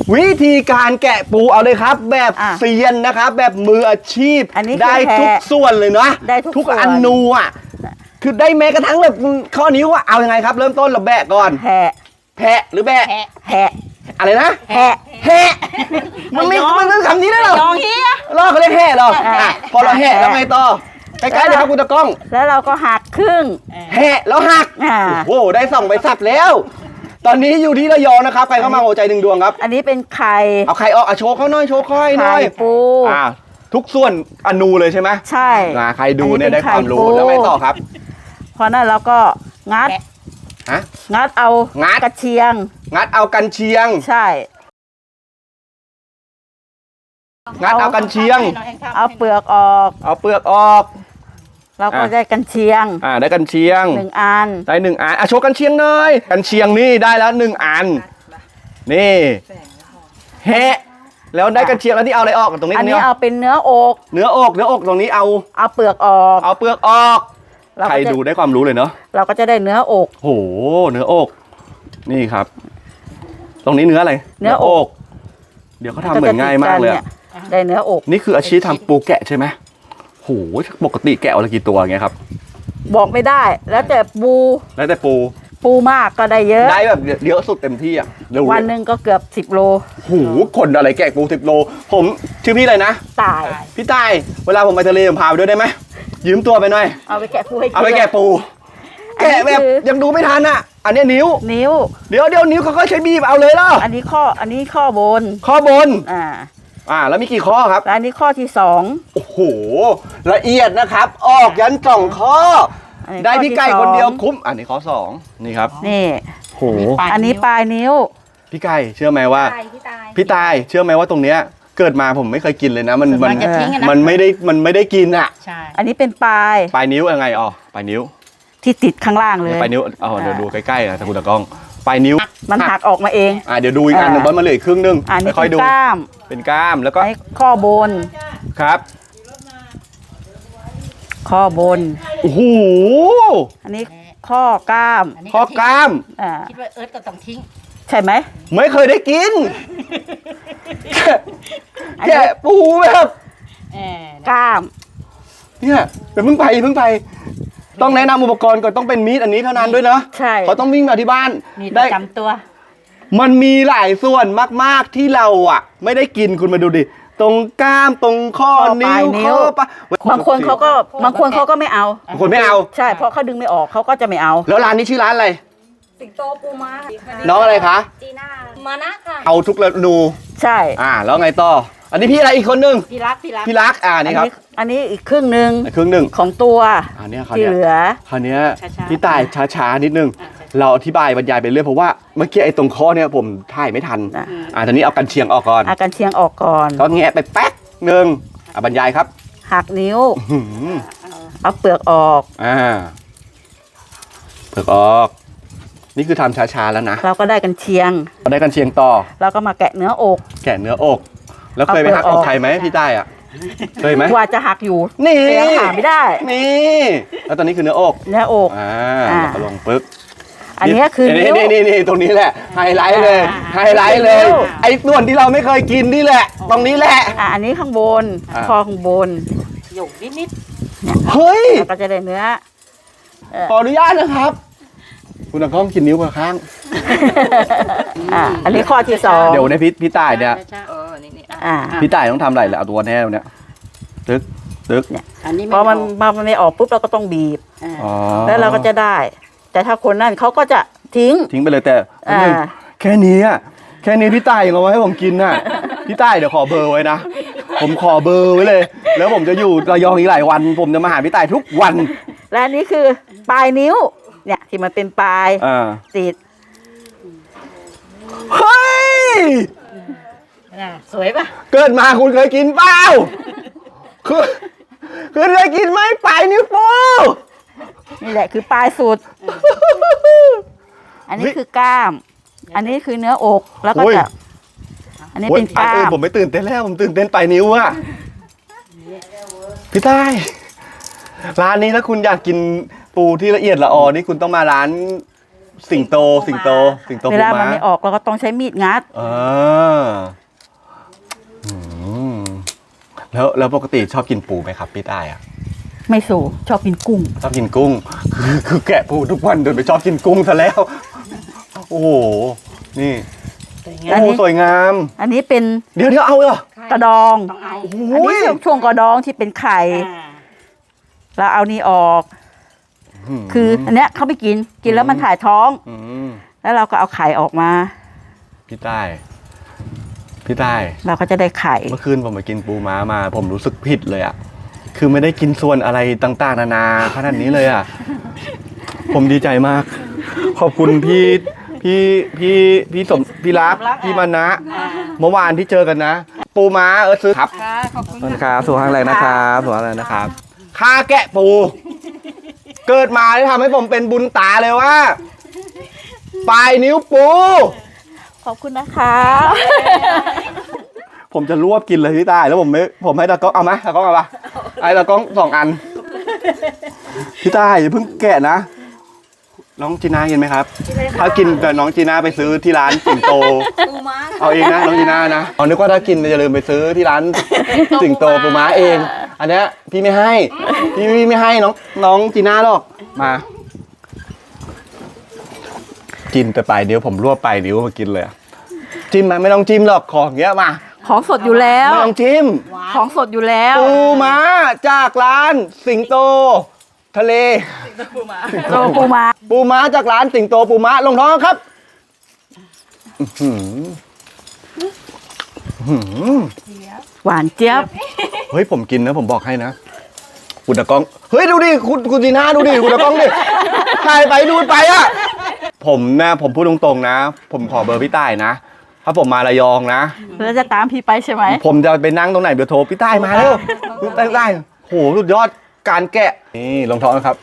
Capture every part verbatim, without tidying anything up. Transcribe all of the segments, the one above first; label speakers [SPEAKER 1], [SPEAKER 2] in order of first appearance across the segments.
[SPEAKER 1] วิธีการแกะปูเอาเลยครับ แบบเซียนนะครับแบบมืออาชีพได้ทุกส่วนเลยนะ
[SPEAKER 2] ได้ทุก
[SPEAKER 1] อนูอ่ะคือได้แม้กระทั่งแบบข้อนิ้วอ่ะเอายังไงครับเริ่มต้นเราแบะก่อน
[SPEAKER 2] แพะ
[SPEAKER 1] แพะหรือแบะ
[SPEAKER 2] แพะ
[SPEAKER 1] อะไรนะ
[SPEAKER 2] แพะ
[SPEAKER 1] แพะมันไม่มันเป็นคำนี้ได้หรอย
[SPEAKER 3] องเฮีย
[SPEAKER 1] ล่อเขาเรียกแห่หรอพอเราแห่แล้วไงต่อใกล้ๆเลยครับคุณตะก้อง
[SPEAKER 2] แล้วเราก็หักครึ่ง
[SPEAKER 1] แห่แล้วหักโอ้โหได้ส่องไปสับแล้วตอนนี้อยู่ที่ระยองนะครับใครเข้ามาหัวใจหนึ่งดวงครับ
[SPEAKER 2] อันนี้เป็นไข่
[SPEAKER 1] เอาไข่ออกอ่ะโชว์เขาหน่อยโชว์ค่อยหน่อย
[SPEAKER 2] ไข่ปู
[SPEAKER 1] อ่าทุกส่วนอนูเลยใช่ไหม
[SPEAKER 2] ใช่
[SPEAKER 1] ใครดูเนี่ยได้ความรู้แล้วไงต่อครับ
[SPEAKER 2] พอนั้นเราก็งัด
[SPEAKER 1] ฮะ
[SPEAKER 2] งัดเอา
[SPEAKER 1] งัด
[SPEAKER 2] กระเชียง
[SPEAKER 1] งัดเอากันเชียง
[SPEAKER 2] ใช่
[SPEAKER 1] งัดเอากันเชียง
[SPEAKER 2] เอาเปลือกออก
[SPEAKER 1] เอาเปลือกออก
[SPEAKER 2] เราก็ได้กันเชียง
[SPEAKER 1] อ่าได้กันเชียง
[SPEAKER 2] หนึ่งอัน
[SPEAKER 1] ได้หนึ่งอันอ่ะโชว์กันเชียงหน่อยกันเชียงนี่ได้แล้วหนึ่งอันนี่เฮะแล้วได้กันเชียงแล้วที่เอาอะไรออกตรงนี้
[SPEAKER 2] อันนี้เอาเป็นเนื้ออก
[SPEAKER 1] เนื้ออกเนื้ออกตรงนี้เอา
[SPEAKER 2] เอาเปลือกออก
[SPEAKER 1] เอาเปลือกออกใครดูได้ความรู้เลยเนาะ
[SPEAKER 2] เราก็จะได้เนื้ออก
[SPEAKER 1] โหเนื้ออกนี่ครับ ตรงนี้เนื้ออะไร
[SPEAKER 2] เนื้ออก
[SPEAKER 1] เดี๋ยวเขาทำเหมือนง่ายมากเลย
[SPEAKER 2] ได้เนื้ออก
[SPEAKER 1] นี่คืออาชีพทำปูแกะใช่ไหมโหปกติแกะวันละกี่ตัวไงครับ
[SPEAKER 2] บอกไม่ได้แล้วแต่ปู
[SPEAKER 1] แล้วแต่ปู
[SPEAKER 2] ปูมากก็ได้เยอะ
[SPEAKER 1] ได้แบบเยอะสุดเต็มที่อ่ะ
[SPEAKER 2] วันหนึ่งก็เกือบสิบโล
[SPEAKER 1] โหคนอะไรแกะปูสิบโลผมชื่อพี่อะไรนะ
[SPEAKER 2] ตาย
[SPEAKER 1] พี่ตายเวลาผมไปทะเลผมพาไปด้วยได้ไหมยืมตัวไปหน่อย
[SPEAKER 2] เอาไปแกะปูให้
[SPEAKER 1] เอาไปแกะปูแกะแบบยังดูไม่ทันอ่ะอันนี้นิ้ว
[SPEAKER 2] นิ้ว
[SPEAKER 1] เดี๋ยวเดี๋ยวนิ้วเขาก็ใช้บีบเอาเลยล่ะ
[SPEAKER 2] อันนี้ข้ออันนี้ข้อบน
[SPEAKER 1] ข้อบน
[SPEAKER 2] อ่า
[SPEAKER 1] อ่าแล้วมีกี่ข้อครับ
[SPEAKER 2] อันนี้ข้อที่สอง
[SPEAKER 1] โอ้โหละเอียดนะครับออกยันสองข้อได้พี่ไก่คนเดียวคุ้มอันนี้ข้อสองนี่ครับ
[SPEAKER 2] นี่
[SPEAKER 1] โห
[SPEAKER 2] อันนี้ปลายนิ้ว
[SPEAKER 1] พี่ไก่เชื่อไหมว่าพี่ตายเชื่อไหมว่าตรงเนี้ยเกิดมาผมไม่เคยกินเลยนะมันมันมันไม่ได้มันไม่ได้กินอ่ะ
[SPEAKER 2] ใช่อันนี้เป็นปลาย
[SPEAKER 1] ปลายนิ้วยังไงอ๋อปลายนิ้ว
[SPEAKER 2] ที่ติดข้างล่างเลย
[SPEAKER 1] ปลายนิ้วอ๋อเดี๋ยวดูใกล้ๆนะตะกุตะกล้องปลายนิ้ว
[SPEAKER 2] มันหักออกมาเอง
[SPEAKER 1] อ่าเดี๋ยวดูอีกอันหนึ่งบอลมาเหลือครึ่งนึง
[SPEAKER 2] ค่อยดูกล้าม
[SPEAKER 1] เป็นกล้ามแล้วก็
[SPEAKER 2] ข้อบน
[SPEAKER 1] ครับ
[SPEAKER 2] ข้อบน
[SPEAKER 1] โอ้โห
[SPEAKER 2] อันนี้ข้อกล้าม
[SPEAKER 1] ข้อกล้าม
[SPEAKER 2] อ่า
[SPEAKER 3] คิดว่าเอิร์ธก็ต้องทิ้ง
[SPEAKER 2] ใช่ไหม
[SPEAKER 1] ไม่เคยได้กินแกะปูแบบ
[SPEAKER 2] กล้าม
[SPEAKER 1] เนี่ยเดี๋ยวเพิ่งไปเพิ่งไปต้องแนะนำอุปกรณ์ก่อนต้องเป็นมีดอันนี้เท่านั้นด้วยนะ
[SPEAKER 2] ใช่
[SPEAKER 1] เขาต้องวิ่งมาที่บ้าน
[SPEAKER 3] มีได้จำตัว
[SPEAKER 1] มันมีหลายส่วนมากๆที่เราอ่ะไม่ได้กินคุณมาดูดิตรงกล้ามตรงข้อนิ้วข้อปะ
[SPEAKER 2] บางคนเขาก็บางคนเขาก็ไม่เอา
[SPEAKER 1] บางคนไม่เอา
[SPEAKER 2] ใช่เพราะเขาดึงไม่ออกเขาก็จะไม่เอา
[SPEAKER 1] แล้วร้านนี้ชื่อร้านอะไร
[SPEAKER 3] สิงโตปูม้า
[SPEAKER 1] น้องอะไรคะ
[SPEAKER 3] จีน่ามานะค่ะ
[SPEAKER 1] เอาทุกเมนู
[SPEAKER 2] ใช่
[SPEAKER 1] อ่าแล้วไงต่ออันนี้พี่อะไรอีกคนนึง
[SPEAKER 3] พี่รักพี่รัก
[SPEAKER 1] พี่รักอ่านี่ครับ
[SPEAKER 2] อันนี้อีกครึ่งหนึ่ง
[SPEAKER 1] ครึ่งหนึ่ง
[SPEAKER 2] ของตัว
[SPEAKER 1] อันนี้
[SPEAKER 2] ที่เหลือ
[SPEAKER 1] คราวนี้พี่ตายช้าๆนิดนึงเราอธิบายบรรยายไปเรื่อยเพราะว่าเมื่อกี้ไอ้ตรงข้อเนี่ยผมถ่ายไม่ทันอ่าตอนนี้เอากันเชียงออกก่อน
[SPEAKER 2] เอากันเชียงออกก่อน
[SPEAKER 1] ก็แงะไปแป๊กหนึ่งอ่ะบรรยายครับ
[SPEAKER 2] หักนิ้วเอาเปลือกออก
[SPEAKER 1] อ่าเปลือกออกนี่คือทำช้าๆแล้วนะ
[SPEAKER 2] เราก็ได้กันเชียง
[SPEAKER 1] เราได้กันเชียงต่อ
[SPEAKER 2] เราก็มาแกะเนื้ออก
[SPEAKER 1] แกะเนื้ออกแล้วเคยไปหักอกใครไหมพี่ใต้อ่ะเคยไหม
[SPEAKER 2] ว่าจะหักอยู่
[SPEAKER 1] นี่
[SPEAKER 2] หาไม่ได้
[SPEAKER 1] นี่แล้วตอนนี้คือเนื้ออก
[SPEAKER 2] เนื้ออก
[SPEAKER 1] อ่าเราก็ลงปึ๊บ
[SPEAKER 2] อันนี้คือ
[SPEAKER 1] นี่นี่นี่นี่ตรงนี้แหละไฮไลท์เลยไฮไลท์เลยไอ้ส่วนที่เราไม่เคยกินนี่แหละตรงนี้แหละ
[SPEAKER 2] อ่าอันนี้ข้างบนคอข้างบน
[SPEAKER 3] หยกนิดนิด
[SPEAKER 1] เฮ้ย
[SPEAKER 2] ก็จะได้เนื้อ
[SPEAKER 1] ขออนุญาตนะครับคุณตะก้องกินนิ้วมาข้าง
[SPEAKER 2] อ่าอันนี้ข้อที่สอง
[SPEAKER 1] เดี๋ยวในพี่พี่ตายเนี่ยพี่ตายต้องทำอะไรล่ะเอาตัวแน่เนี่ยตึ๊กตึ๊กเนี่ย
[SPEAKER 2] พอมันมันไม่ออกปุ๊บเราก็ต้องบีบแล้วเราก็จะได้แต่ถ้าคนนั่นเขาก็จะทิ้ง
[SPEAKER 1] ทิ้งไปเลยแต่แค่นี้อ่ะแค่นี้พี่ตายยังเอาไว้ให้ผมกินน่ะพี่ตายเดี๋ยวขอเบอร์ไว้นะผมขอเบอร์ไว้เลยแล้วผมจะอยู่ระยองอีกหลายวันผมจะมาหาพี่ตายทุกวัน
[SPEAKER 2] และนี่คือปลายนิ้วเนี่ยที่มันเป็นปลายติด
[SPEAKER 1] เฮ้ย
[SPEAKER 3] สวยป่ะ
[SPEAKER 1] เกิดมาคุณเคยกินเปล่าคือคือเคยกินไหมปลายนิ้วปู
[SPEAKER 2] นี่แหละคือปลายสุดอันนี้คือกล้ามอันนี้คือเนื้ออกแล้วก็จะอันนี้เป็นกล้าม
[SPEAKER 1] ผมไม่ตื่นเต้นแล้วผมตื่นเต้นปลายนิ้วอะพี่ใต้ร้านนี้ถ้าคุณอยากกินปูที่ละเอียดละออนี่คุณต้องมาร้านสิงโตสิงโตสิงโต
[SPEAKER 2] เวลามันไม่ออกเราก็ต้องใช้มีดงัด
[SPEAKER 1] อ่าแล้วแล้วปกติชอบกินปูไหมครับพี่ต้ายอ่ะ
[SPEAKER 2] ไม่สูชอบกินกุ้ง
[SPEAKER 1] ชอบกินกุ้ง คือคือแกะปูทุกวันเดินไปชอบกินกุ้งซะแล้ว โอ้โห นี่
[SPEAKER 3] สวย
[SPEAKER 1] โอ้
[SPEAKER 3] งาม
[SPEAKER 1] โหสวยงาม
[SPEAKER 2] อันนี้เป็น
[SPEAKER 1] เดี๋ยวเดี๋ยวเอาเหรอก
[SPEAKER 2] ระดอง
[SPEAKER 3] ต้องเอา
[SPEAKER 1] โอ้โห
[SPEAKER 2] อันนี้ช่วงช่วงกระดองที่เป็นไข่
[SPEAKER 3] อ่า
[SPEAKER 2] แล้วเอานี่ออก คืออันเนี้ยเขาไม่กิน กินแล้วมันถ่ายท้อง
[SPEAKER 1] อืม
[SPEAKER 2] แล้วเราก็เอาไข่ออกมา
[SPEAKER 1] พี่ต้ายพี่ต้าย
[SPEAKER 2] เราก็จะได้ไข่
[SPEAKER 1] เมื่อคืนผมไปกินปูม้ามา ผมรู้สึกผิดเลยอ่ะ คือไม่ได้กินส่วนอะไรต่างๆ นานาขนาดนี้เลยอ่ะ ผมดีใจมาก ขอบคุณพี่พี่พี่พี่สมพี่รักพี่มานะ เมื่อวานที่เจอกันนะ ปูม้าเออซื้อครับ
[SPEAKER 3] ค่ะขอบคุณ
[SPEAKER 1] ขอบคุณครับสุขภาพแรงนะครับสุขภาพแรงนะครับค่าแกะปู เกิดมาได้ทำให้ผมเป็นบุญตาเลยว่า ปลายนิ้วปู
[SPEAKER 2] ขอบคุณนะคะ
[SPEAKER 1] ผมจะรวบกินเลยพี่ตายแล้วผมไม่ผมให้ตากล้องเอาไหมตากล้องเอาปะไอ้ตากล้องสองอัน พี่ตายอย่าเพิ่งแกะนะ น้องจีน่ากินไหมครับ ถ้ากินแต่น้องจีน่าไปซื้อที่ร้านสิงโต
[SPEAKER 3] ปูม้า
[SPEAKER 1] เอาเองนะน้องจีน่านะเอานึกว่าถ้ากินจะลืมไปซื้อที่ร้านสิงโตปูม้าเอง อันเนี้ยพี่ไม่ให้ พี่พี่ไม่ให้น้องน้องจีน่าหรอกมา กินแต่ปลายเดียวผมรวบปลายเดียวมากินเลยอะจิ้มไหมไม่ต้องจิ้มหรอกของเงี้ยมา
[SPEAKER 2] ของสดอยู่แล้ว
[SPEAKER 1] ไม่ต้องจิ้ม
[SPEAKER 2] ของสดอยู่แล้ว
[SPEAKER 1] ปูม้าจากร้านสิงโต ทะเล
[SPEAKER 2] โลปูมา
[SPEAKER 1] ปูม้าจากร้านสิงโตปูม้าลงท้องครับอื้อหืออื้อหือ
[SPEAKER 2] หวานเจี๊ยบ
[SPEAKER 1] เฮ้ยผมกินนะผมบอกให้นะคุณตะกล้องเฮ้ยดูดิคุณคุณจีน่าดูดิคุณตะกล้องดิถ่ายไปดูไปอ่ะผมนะผมพูดตรงๆนะ ผมขอเบอร์พี่ต้ายนะ ถ้าผมมาระยองนะ
[SPEAKER 2] แล้วจะตามพี่ไปใช่ไหม
[SPEAKER 1] ผมจะไปนั่งตรงไหนเดี๋ยวโทรพี่ต้ายมาแล้วพี่ต้ายได้โหสุดยอดการแกะนี่ลงท้องนะครับ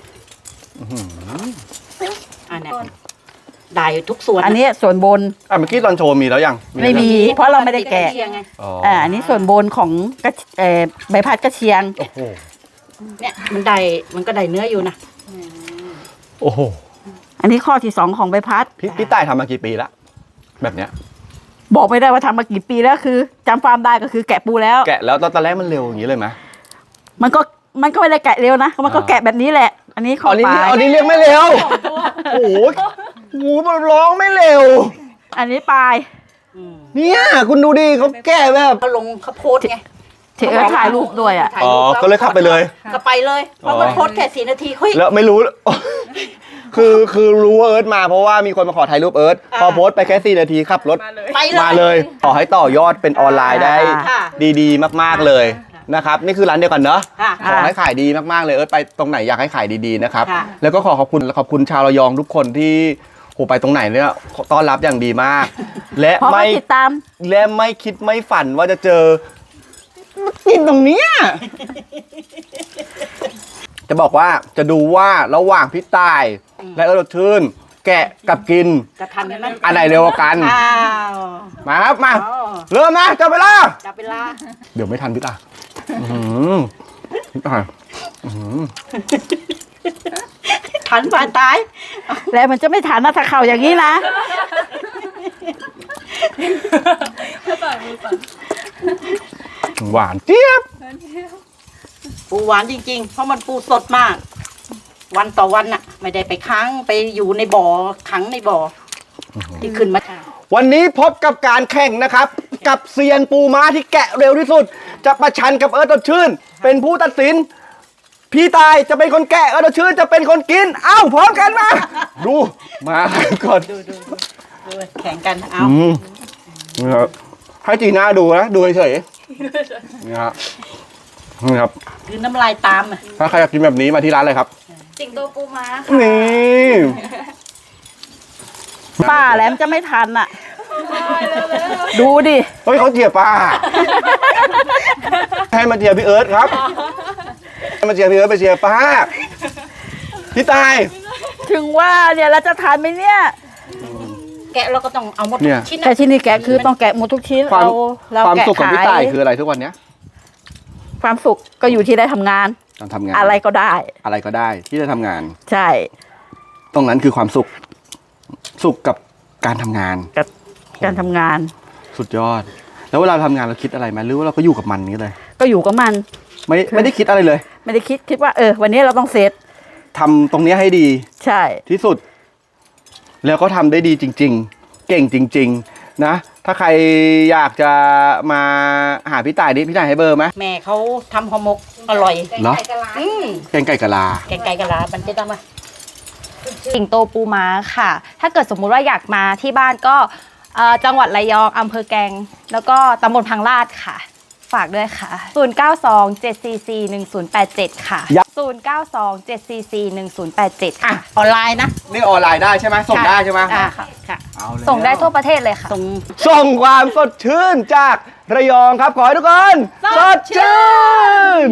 [SPEAKER 3] อันเนี้ยได้ทุกส่วน
[SPEAKER 2] อันนี้ส่วนบน
[SPEAKER 1] อ่ะเมื่อกี้ตอนโชว์มีแล้วยัง
[SPEAKER 2] ไม่มี เพราะเราไม่ได้แกะ
[SPEAKER 3] เชียงไง
[SPEAKER 1] อ๋อ
[SPEAKER 2] อ่าอันนี้ส่วนบนของกระเอ่อใบพัดกระเชียง
[SPEAKER 1] โอ้โห
[SPEAKER 3] เนี่ยมันได้มันก็ได้เนื้ออยู่นะ
[SPEAKER 1] โอ้โห
[SPEAKER 2] อันนี้ข้อที่สองของใบพัด
[SPEAKER 1] พี่พี่ต้ายทำมากี่ปีละแบบเนี้ย
[SPEAKER 2] บอกไม่ได้ว่าทำมากี่ปีแล้วคือจำความได้ก็คือแกะปูแล้ว
[SPEAKER 1] แกะแล้วตอนแรกมันเร็วอย่างนี้เลยไหม
[SPEAKER 2] มันก็มันก็ไม่ได้แกะเร็วนะ มันก็
[SPEAKER 1] อ่า
[SPEAKER 2] แกะแบบนี้แหละ อันนี้ข้อ
[SPEAKER 1] อันนี้
[SPEAKER 2] ปลาย
[SPEAKER 1] อันนี้เรียกไม่เร็วโอ้โหโอ้โหมันร้องไม่เร็ว
[SPEAKER 2] อันนี้ปลาย
[SPEAKER 3] อืม
[SPEAKER 1] เนี่ยคุณดูดิเขาแกะแบบ
[SPEAKER 3] เขาลงเขาโพสต์ไง
[SPEAKER 2] เทเออถ่ายรูปด้วยอ่ะ
[SPEAKER 3] ถ่าย
[SPEAKER 1] อ๋อ
[SPEAKER 3] รูปแว
[SPEAKER 1] ก็เลยขับไปเลย
[SPEAKER 3] ก็ไปเลยเพราะมันโพสต์แค่สี่นาทีเฮ้ย
[SPEAKER 1] แล้วไม่รู้ คือคือรู้ว่าเอิร์ธมาเพราะว่ามีคนมาขอถ่ายรูปเอิร์ธ
[SPEAKER 3] อ่า
[SPEAKER 1] พอโพสต์ไปแค่สี่นาทีขับรถ
[SPEAKER 3] ไปเลย
[SPEAKER 1] มาเลย ขอให้ต่อยอดเป็นออนไลน์ได้
[SPEAKER 3] ค่ะ
[SPEAKER 1] ดีๆ มากๆเลยนะครับ นี่คือร้านเดียวกันเนอะ
[SPEAKER 3] ค่ะ
[SPEAKER 1] ขอให้ขายดีมากๆเลยเอิร์ธไปตรงไหนอยากให้ขายดีๆนะครับ
[SPEAKER 3] ค่ะ
[SPEAKER 1] แล้วก็ขอขอบคุณขอบคุณชาวระยองทุกคนที่โหไปตรงไหนเนี่ยต้อนรับอย่างดีมาก และ
[SPEAKER 2] เพราะ
[SPEAKER 1] ไม่
[SPEAKER 2] ว่าติดตาม
[SPEAKER 1] และไม่คิดไม่ฝันว่าจะเจอกินตรงเนี้ยจะบอกว่าจะดูว่าระหว่างพี่ตาย และเอิร์ธชื่น แกะกับกิน
[SPEAKER 3] จะทันไหม
[SPEAKER 1] อันไหนเร็วกว่ากัน
[SPEAKER 3] อ้าว
[SPEAKER 1] มาครับมา
[SPEAKER 3] อ๋อ
[SPEAKER 1] เริ่มนะจับเวลา
[SPEAKER 3] จับเวลา
[SPEAKER 1] เดี๋ยวไม่ทันพี่ตาอื้อหือพี่ตายอื้อหือ
[SPEAKER 3] ทันผ่านตาย
[SPEAKER 2] แล้วมันจะไม่ทันนะถ้าเข่าอย่างนี้นะ
[SPEAKER 1] หวานเจี๊ยบ
[SPEAKER 3] ปูหวานจริงๆ เพราะมันปูสดมาก วันต่อวันน่ะ ไม่ได้ไปค้างไปอยู่ในบ่อขังในบ่อที่ขึ้นมา
[SPEAKER 1] วันนี้พบกับการแข่งนะครับ กับเซียนปูม้าที่แกะเร็วที่สุด จะประชันกับเอิร์ธสดชื่น เป็นผู้ตัดสิน พี่ตายจะเป็นคนแกะเอิร์ธสดชื่นจะเป็นคนกิน เอ้าพร้อมกันมา ดูมาก่อน
[SPEAKER 3] ดูดูดูดูแข่งกันเอา
[SPEAKER 1] อืมนี่ครับให้จีน่าดูนะดูเฉยๆนี่ครับนี่ครับ
[SPEAKER 3] คือน้ำลายตามอ่ะ
[SPEAKER 1] ถ้าใครอยากกินแบบนี้มาที่ร้านเลยครับ
[SPEAKER 3] สิงโตปูม้า
[SPEAKER 1] นี่
[SPEAKER 2] ป้าแหลมจะไม่ทันอ่ะ ดูดิ
[SPEAKER 1] เฮ้ยเขาเจียป้า ให้มาเจียพี่เอิร์ธครับให้มาเจียพี่เอิร์ธไปเจียป้าพี่ตาย
[SPEAKER 2] ถึงว่าเนี่ยเราจะทันไหมเนี่ย
[SPEAKER 3] แกะเราก็ต้องเอาหมด
[SPEAKER 1] เนี่ย
[SPEAKER 3] ชิ้น
[SPEAKER 2] แต่ชิ้นนี้แกะคือต้องแกะหมดทุกชิ้น
[SPEAKER 1] ความ
[SPEAKER 2] เราเรา
[SPEAKER 1] ความ
[SPEAKER 2] แกะ
[SPEAKER 1] สุขของ
[SPEAKER 2] ขา
[SPEAKER 1] พี่ตาย
[SPEAKER 2] ย
[SPEAKER 1] คืออะไรทุกวันเนี้ย
[SPEAKER 2] ความสุขก็อยู่ที่ได้ทำงาน
[SPEAKER 1] การทำงาน
[SPEAKER 2] อะไรก็ได้
[SPEAKER 1] อะไรก็ได้ที่จะทำงาน
[SPEAKER 2] ใช่
[SPEAKER 1] ตรงนั้นคือความสุข สุขกับการทำงาน
[SPEAKER 2] กับการทำงาน
[SPEAKER 1] สุดยอด แล้วเวลาทำงานเราคิดอะไรไหมหรือว่าเราก็อยู่กับมันนี้เลย
[SPEAKER 2] ก็อยู่กับมัน
[SPEAKER 1] ไม่ไม่ได้คิดอะไรเลย
[SPEAKER 2] ไม่ได้คิดคิดว่าเออ วันนี้เราต้องเสร็จ
[SPEAKER 1] ทำตรงเนี้ยให้ดี
[SPEAKER 2] ใช่
[SPEAKER 1] ที่สุด แล้วก็ทำได้ดีจริง ๆ เก่งจริง ๆ นะ ถ้าใครอยากจะมาหาพี่ต่ายดิพี่ต่ายให้เบอร์ไหม
[SPEAKER 3] แม่เขาทำห่อหมกอร่อย
[SPEAKER 1] เหรอ
[SPEAKER 3] อืม
[SPEAKER 1] แกงไก่กะลา
[SPEAKER 3] แกงไก่กะลามันจะต้องมา
[SPEAKER 4] สิงโตปูม้าค่ะ ถ้าเกิดสมมุติว่าอยากมาที่บ้านก็เอ่อจังหวัดระยองอำเภอแกลงแล้วก็ตำบลพังลาดค่ะ ฝากด้วยค่ะ ศูนย์ เก้า สอง เจ็ด สี่ สี่ หนึ่ง ศูนย์ แปด เจ็ด ค่ะ
[SPEAKER 1] ยับ
[SPEAKER 4] ศูนย์ เก้า สอง เจ็ด สี่ สี่ หนึ่ง ศูนย์ แปด เจ็ด
[SPEAKER 3] อ่ะ
[SPEAKER 4] ค่ะ
[SPEAKER 3] ออนไลน์นะ
[SPEAKER 1] นี่ออนไลน์ได้ใช่ไหมส่งได้ใช่ไหม
[SPEAKER 3] อ่ะค่ะ
[SPEAKER 1] เอาแล้ว
[SPEAKER 4] ส่งได้ทั่วประเทศเลยค่ะ
[SPEAKER 3] ส่ง
[SPEAKER 1] ส่งความสดชื่นจากระยองครับ ขอให้ทุกคน
[SPEAKER 3] สดชื่น